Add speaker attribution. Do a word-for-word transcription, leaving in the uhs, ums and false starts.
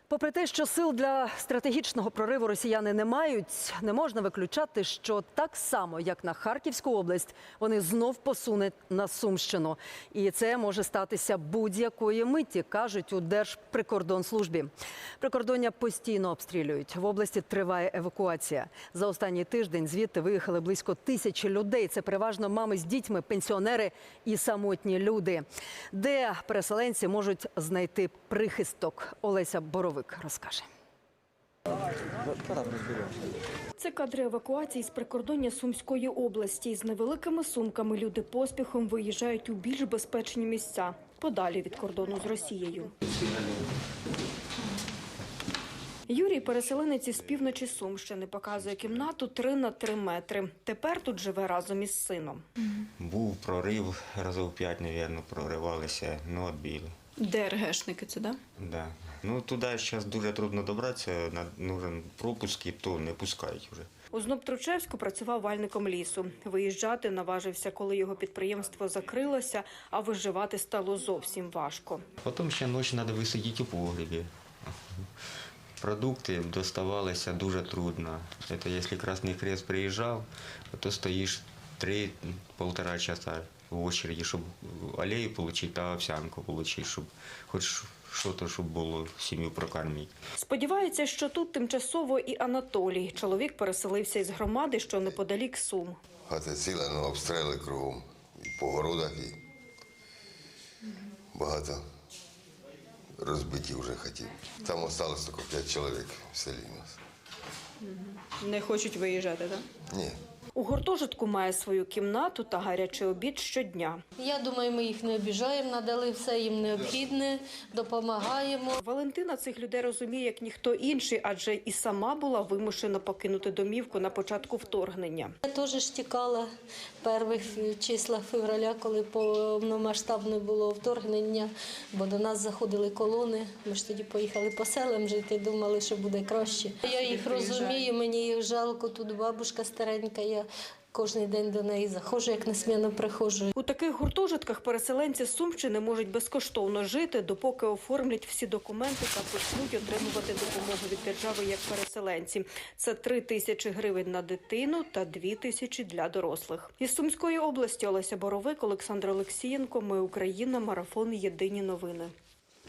Speaker 1: Попри те, що сил для стратегічного прориву росіяни не мають, не можна виключати, що так само, як на Харківську область, вони знов посунуть на Сумщину. І це може статися будь-якої миті, кажуть у Держприкордонслужбі. Прикордоння постійно обстрілюють. В області триває евакуація. За останній тиждень звідти виїхали близько тисячі людей. Це переважно мами з дітьми, пенсіонери і самотні люди. Де переселенці можуть знайти прихисток? Олеся Боровик розкаже.
Speaker 2: Це кадри евакуації з прикордоння Сумської області. З невеликими сумками люди поспіхом виїжджають у більш безпечні місця, подалі від кордону з Росією. Юрій – переселенець із півночі Сумщини. Показує кімнату три на три метри. Тепер тут живе разом із сином.
Speaker 3: Був прорив, разів п'ять, мабуть, проривалися, ну, відбили.
Speaker 2: ДРГшники це, да?
Speaker 3: Да. Ну, туди зараз дуже трудно добратися, нужен пропуск, і то не пускають вже.
Speaker 2: У Знобтручевську працював вальником лісу. Виїжджати наважився, коли його підприємство закрилося, а виживати стало зовсім важко.
Speaker 3: Потім ще ночі треба висидіти у погребі. Продукти доставалися дуже трудно. Це якщо Красний Хрест приїжджав, то стоїш три-півтора часа в очереді, щоб олію отримати та овсянку отримати, щоб хоч щось, щоб було сім'ю прокормити.
Speaker 2: Сподівається, що тут тимчасово і Анатолій. Чоловік переселився із громади, що неподалік Сум.
Speaker 4: Хата ціла, ну, обстріли кругом. І по городах, і багато розбиті вже хатів. Там залишилось тільки п'ять чоловік в селі у нас.
Speaker 2: Не хочуть виїжджати, так?
Speaker 4: Ні.
Speaker 2: У гуртожитку має свою кімнату та гарячий обід щодня.
Speaker 5: Я думаю, ми їх не обіжаємо, надали все їм необхідне, допомагаємо.
Speaker 2: Валентина цих людей розуміє, як ніхто інший, адже і сама була вимушена покинути домівку на початку вторгнення.
Speaker 5: Я теж ж тікала в перших числах февраля, коли повномасштабне було вторгнення, бо до нас заходили колони. Ми ж тоді поїхали по селам жити, думали, що буде краще. Я їх розумію, мені їх жалко, тут бабушка старенька, я кожен день до неї заходжу, як несмінно приходжу.
Speaker 2: У таких гуртожитках переселенці з Сумщини можуть безкоштовно жити, допоки оформлять всі документи та почнуть отримувати допомогу від держави як переселенці. Це три тисячі гривень на дитину та дві тисячі для дорослих. Із Сумської області Олеся Боровик, Олександр Олексієнко. Ми Україна. Марафон. Єдині новини.